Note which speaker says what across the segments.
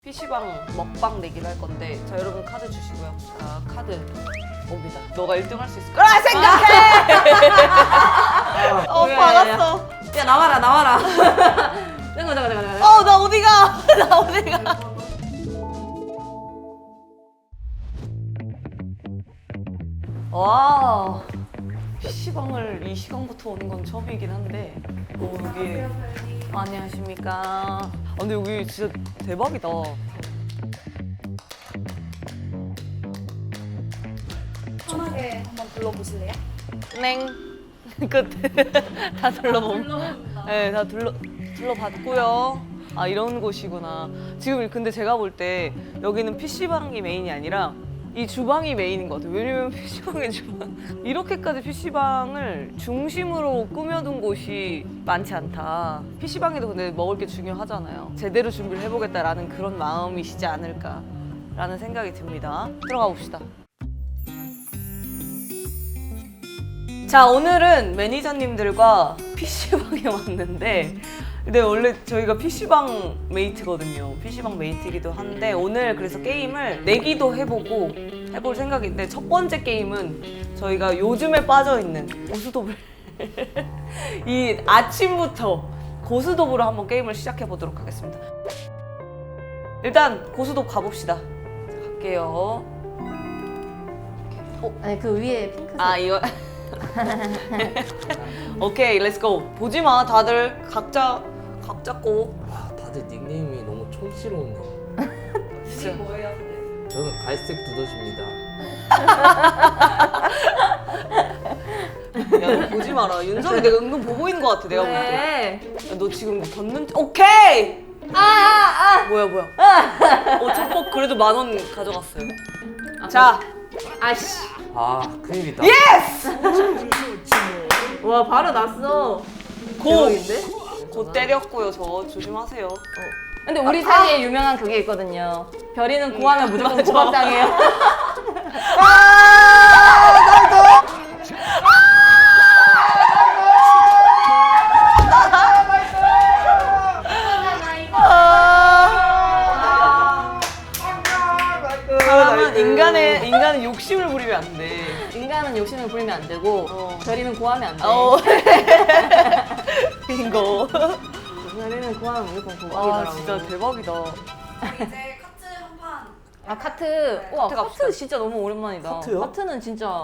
Speaker 1: PC방 먹방 내기를 할 건데, 자 여러분 카드 주시고요. 자 카드 옵니다. 너가 1등 할 수 있을 거라 생각해! 받았어.
Speaker 2: 야 나와라. 잠깐.
Speaker 1: 나 어디가? 나 어디가? 와, PC방을 이 시간부터 오는 건 처음이긴 한데, 여기 안녕하십니까. 근데 여기 진짜 대박이다.
Speaker 3: 편하게 한번 불러보실래요?
Speaker 1: 넹. 끝. 다 네, 다 둘러봤고요. 아, 이런 곳이구나. 지금 근데 제가 볼 때 여기는 PC방이 메인이 아니라 이 주방이 메인인 것 같아요. 왜냐면 PC방의 주방. 이렇게까지 PC방을 중심으로 꾸며둔 곳이 많지 않다. PC방에도 근데 먹을 게 중요하잖아요. 제대로 준비를 해보겠다라는 그런 마음이시지 않을까라는 생각이 듭니다. 들어가 봅시다. 자, 오늘은 매니저님들과 PC방에 왔는데, 근데 원래 저희가 PC방 메이트거든요. PC방 메이트이기도 한데, 오늘 그래서 게임을 내기도 해볼 생각인데, 첫 번째 게임은 저희가 요즘에 빠져있는 고수도블. 이 아침부터 고수도블로 한번 게임을 시작해보도록 하겠습니다. 일단 고수도 가봅시다. 자, 갈게요.
Speaker 2: 아니 그 위에 핑크색.
Speaker 1: 아, 이거. 오케이, 렛츠고. 보지마, 다들 각자 각 잡고.
Speaker 4: 와, 다들 닉네임이 너무 촌스러운데.
Speaker 1: 진짜.
Speaker 4: 저는 갈색 두더지입니다.
Speaker 1: 야, 너 보지 마라. 윤석이 내가 은근 보고 있는 것 같아, 내가 볼 때.
Speaker 2: 네.
Speaker 1: 야, 너 지금 걷는. 오케이! 뭐야. 첫복 그래도 10,000원 가져갔어요. 자,
Speaker 2: 아씨.
Speaker 4: 아, 큰일이다.
Speaker 1: 예스!
Speaker 2: 와 바로 났어.
Speaker 1: 고!
Speaker 2: 대박인데?
Speaker 1: 곧 때렸고요, 저. 조심하세요.
Speaker 2: 근데 우리 사이에 유명한 그게 있거든요. 별이는 고하면 무조건
Speaker 1: 맞아.
Speaker 2: 고박당해요.
Speaker 1: 그러면 인간은 욕심을 부리면 안 돼.
Speaker 2: 인간은 욕심을 부리면 안 되고 별이는 고하면 안 돼.
Speaker 1: 빙고.
Speaker 2: 별이는 고하면 무조건
Speaker 1: 아,
Speaker 2: 고박이더라고.
Speaker 1: 진짜 대박이다.
Speaker 3: 이제 카트 한 판.
Speaker 2: 아 카트. 와
Speaker 1: 카트 갑시다.
Speaker 2: 카트 진짜 너무 오랜만이다.
Speaker 4: 카트요?
Speaker 2: 카트는 진짜.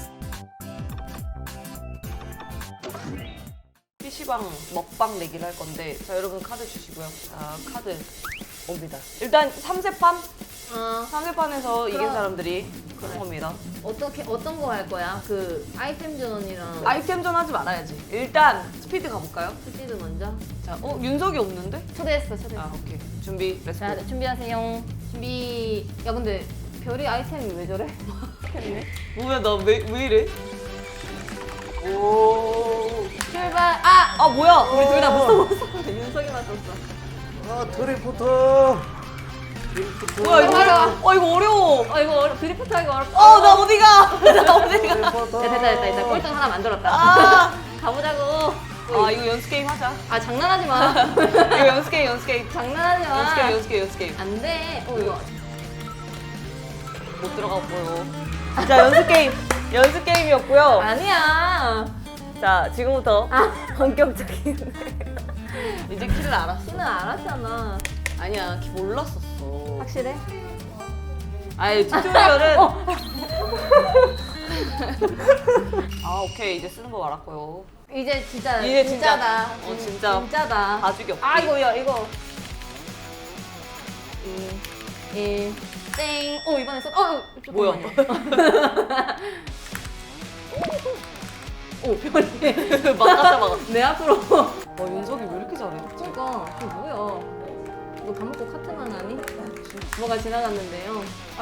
Speaker 1: PC방 먹방 내기를 할 건데, 자 여러분 카드 주시고요. 자 카드 옵니다. 일단 3세판? 3세판에서 이긴 사람들이 그런 겁니다.
Speaker 2: 어떤 거 할 거야? 그 아이템전이랑
Speaker 1: 아이템전 하지 말아야지. 일단 스피드 가볼까요?
Speaker 2: 스피드 먼저.
Speaker 1: 자, 윤석이 없는데?
Speaker 2: 초대했어.
Speaker 1: 아, 오케이. 준비, 렛츠고.
Speaker 2: 자 준비하세요. 준비. 야 근데 별이 아이템이 왜 저래? 했네.
Speaker 1: 뭐야, 나 왜 이래? 오.
Speaker 2: 출발.
Speaker 1: 아, 뭐야?
Speaker 2: 우리 둘 다 못 써. 윤석이만 썼어.
Speaker 4: 아, 드리포터.
Speaker 1: 뭐야, 이거
Speaker 2: 어려워.
Speaker 1: 이거 어려워.
Speaker 2: 이거 드리프트 하기 어렵다.
Speaker 1: 나 어디가? 나 어디가?
Speaker 4: 드리포터.
Speaker 2: 됐다. 꼴등 하나 만들었다.
Speaker 1: 아,
Speaker 2: 가보자고.
Speaker 1: 이거 연습 게임 하자.
Speaker 2: 아 장난하지 마.
Speaker 1: 이거 연습 게임.
Speaker 2: 장난하지 마.
Speaker 1: 연습 게임.
Speaker 2: 안 돼. 이거.
Speaker 1: 못 들어갔고요. 자, 연습 게임이었고요.
Speaker 2: 아니야.
Speaker 1: 자, 지금부터 본격적인. 이제 키를 알았어.
Speaker 2: 키는 알았잖아.
Speaker 1: 아니야, 키 몰랐었어.
Speaker 2: 확실해?
Speaker 1: 아니, 튜토리얼은. 아, 오케이. 이제 쓰는 법 알았고요.
Speaker 2: 이제 진짜
Speaker 1: 이제
Speaker 2: 진짜다.
Speaker 1: 진짜.
Speaker 2: 진짜다.
Speaker 1: 봐주기 없기.
Speaker 2: 아 이거. 1 땡. 이번에 썼.
Speaker 1: 뭐야?
Speaker 2: 별이.
Speaker 1: 막았다.
Speaker 2: 내 앞으로.
Speaker 1: 윤석이 왜 이렇게 잘해?
Speaker 2: 그러니까 이게 뭐야? 너 밥 먹고 카트만 하니? 뭐가 지나갔는데요.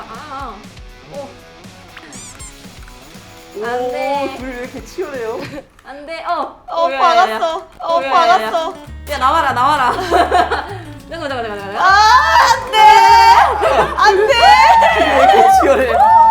Speaker 2: 안 돼.
Speaker 1: 둘이 왜 이렇게 치열해요?
Speaker 2: 안 돼.
Speaker 1: 받았어. 받았어.
Speaker 2: 야 나와라. 잠깐.
Speaker 1: 안 돼!
Speaker 4: 왜 이렇게 치열해?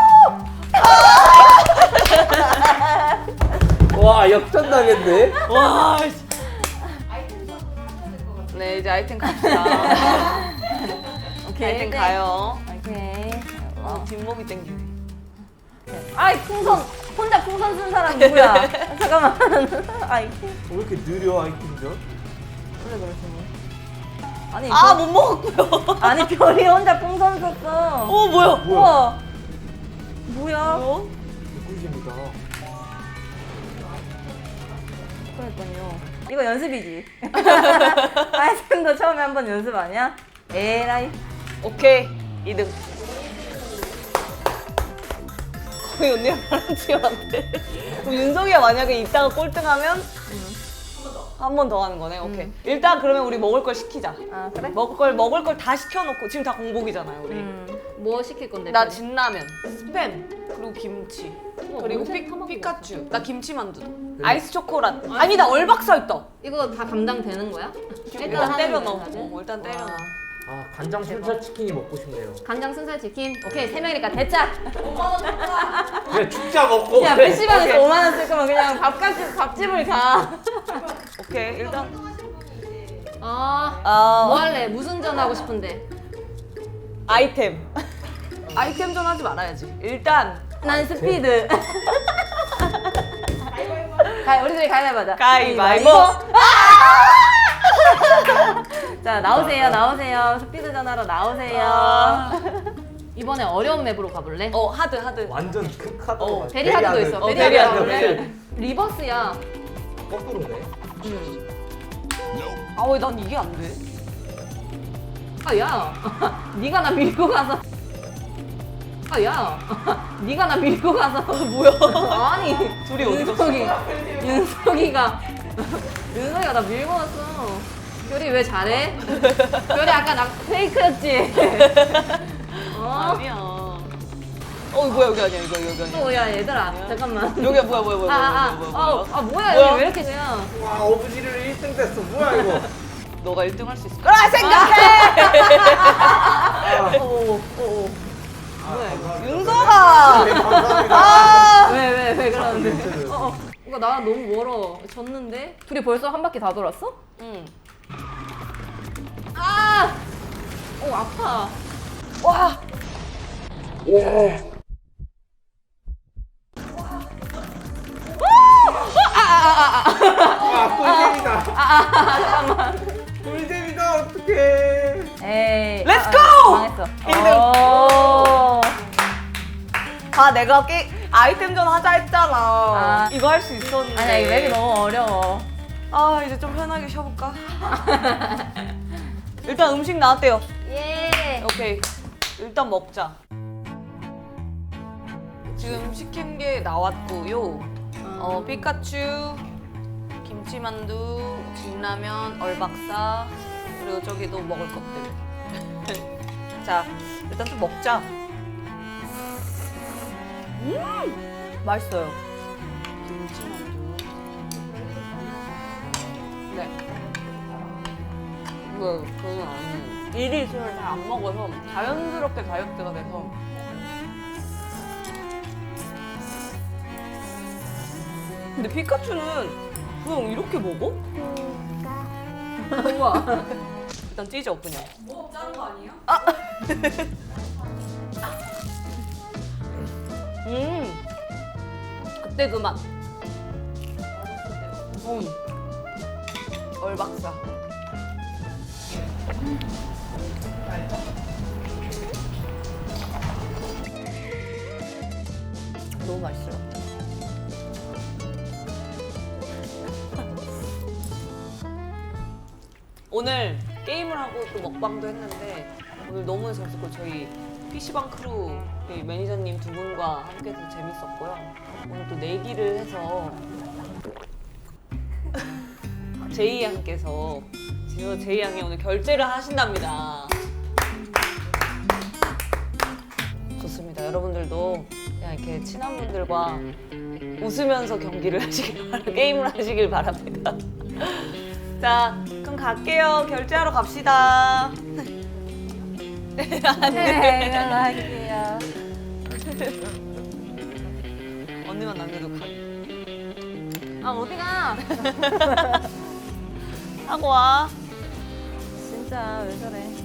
Speaker 4: 와, 역전당했네.
Speaker 1: 와,
Speaker 3: 아이템 하셔야 될 것 같아요.
Speaker 1: 네, 이제 아이템 갑시다.
Speaker 2: 오케이.
Speaker 1: 아이템 가요.
Speaker 2: 오케이.
Speaker 1: 뒷몸이 땡기네.
Speaker 2: 아이 풍선 혼자 풍선 쓴 사람 누구야? 잠깐만. 아이
Speaker 4: 왜 이렇게 느려 아이템전?
Speaker 2: 원래 그러시네. 아니
Speaker 1: 아, 못 먹었고요.
Speaker 2: 아니 별이 혼자 풍선 썼어.
Speaker 1: 어, 뭐야?
Speaker 2: 우와. 뭐야?
Speaker 4: 꿀잼이다.
Speaker 2: 그러니까요. 이거 연습이지. 아이템도 처음에 한번 연습 아니야? 에라이.
Speaker 1: 오케이, 2등. 거의 언니랑 나랑 치면 안 돼. 그럼 윤성이가 만약에 이따가 꼴등하면 한 번 더 하는 거네. 오케이. 일단 그러면 우리 먹을 걸 시키자.
Speaker 2: 아 그래?
Speaker 1: 먹을 걸 다 시켜놓고 지금 다 공복이잖아요, 우리.
Speaker 2: 뭐 시킬 건데?
Speaker 1: 나 진라면, 스팸, 그리고 김치, 그리고
Speaker 2: 언제 타먹고
Speaker 1: 피카츄. 나 김치만두, 아이스 초코란. 아니 나 얼박사 있다.
Speaker 2: 이거 다 감당되는 거야?
Speaker 1: 일단 때려 넣어.
Speaker 2: 다들?
Speaker 1: 일단 때려 넣어.
Speaker 4: 아 간장 순살 치킨이 먹고 싶네요.
Speaker 2: 간장 순살 치킨. 오케이 3명이니까 대짜.
Speaker 4: 그래 죽자 먹고.
Speaker 2: 야
Speaker 4: 그래.
Speaker 2: PC방에서
Speaker 1: 오케이.
Speaker 2: 5만 원 쓸 거면 그냥 밥집을 가.
Speaker 1: 오케이, 일단.
Speaker 2: 뭐 할래? 무슨 전 하고 싶은데?
Speaker 1: 아이템. 아이템전 하지 말아야지. 일단
Speaker 2: 난 스피드. 우리들이 가위바위보 하자.
Speaker 1: 가위바위보.
Speaker 2: 자 나오세요. 스피드전 하러 나오세요. 이번에 어려운 맵으로 가볼래?
Speaker 1: 하드.
Speaker 4: 완전 극하다.
Speaker 2: 베리하드도 있어.
Speaker 1: 베리하드.
Speaker 2: 베리하드
Speaker 1: 베리하드.
Speaker 2: 가볼래? 리버스야.
Speaker 4: 거꾸로네.
Speaker 1: 아, 왜 난 이게 안 돼?
Speaker 2: 야. 네가 나 밀고 가서. 야. 네가 나 밀고 가서.
Speaker 1: 뭐야?
Speaker 2: 아니.
Speaker 1: 둘이 어디
Speaker 2: 윤석이가 나 밀고 왔어. 별이 왜 잘해? 별이 아까 나 페이크였지?
Speaker 1: 아니야. 뭐야, 여기 아니야, 이거 여기 아니야.
Speaker 2: 야 얘들아 잠깐만.
Speaker 1: 여기야, 뭐야.
Speaker 2: 뭐야
Speaker 1: 뭐야?
Speaker 2: 여기 왜 이렇게 그냥.
Speaker 4: 와 어부지를 1등 됐어. 뭐야 이거?
Speaker 1: 너가 1등 할 수 있을 거라 생각해!
Speaker 4: 뭐야 이거?
Speaker 1: 윤서가!
Speaker 4: 네, 감사합니다.
Speaker 1: 아!
Speaker 2: 왜 그러는데?
Speaker 4: 멘트.
Speaker 2: 이거 나 너무 멀어. 졌는데? 둘이 벌써 한 바퀴 다 돌았어?
Speaker 1: 응.
Speaker 2: 아파.
Speaker 1: 와!
Speaker 4: 꿀잼이다. 잠깐만. 꿀잼이다 어떡해.
Speaker 2: 에이.
Speaker 1: Let's go!
Speaker 2: 망했어.
Speaker 1: 내가 아이템전 하자 했잖아.
Speaker 2: 아.
Speaker 1: 이거 할 수 있었는데.
Speaker 2: 아니야 이 맵이 너무 어려워.
Speaker 1: 이제 좀 편하게 쉬어볼까? 일단 음식 나왔대요.
Speaker 2: 예.
Speaker 1: 오케이. 일단 먹자. 지금 시킨 게 나왔고요. 피카츄, 김치만두, 진라면, 얼박사, 그리고 저기도 먹을 것들. 자, 일단 좀 먹자. 맛있어요. 김치만두. 네. 그건 아니에요. 일이 술을 잘 안 먹어서 자연스럽게 다이어트가 돼서. 근데 피카츄는 그냥 이렇게 먹어?
Speaker 2: 우와.
Speaker 1: 일단 찢어 그냥.
Speaker 3: 뭐 자른 거 아니에요?
Speaker 1: 그때 그 맛. 얼박사. 너무 맛있어요. 오늘 게임을 하고 또 먹방도 했는데 오늘 너무 재밌었고 저희 PC방 크루 이 매니저님 두 분과 함께해서 재밌었고요. 오늘 또 내기를 해서 제이 양께서 진호 제이 양이 오늘 결제를 하신답니다. 좋습니다. 여러분들도 그냥 이렇게 친한 분들과 웃으면서 경기를 하시길 게임을 하시길 바랍니다. 자, 그럼 갈게요. 결제하러 갑시다.
Speaker 2: 네, 연락할게요.
Speaker 1: 언니만 남겨도 가.
Speaker 2: 어디가?
Speaker 1: 하고 와.
Speaker 2: 진짜 왜 저래?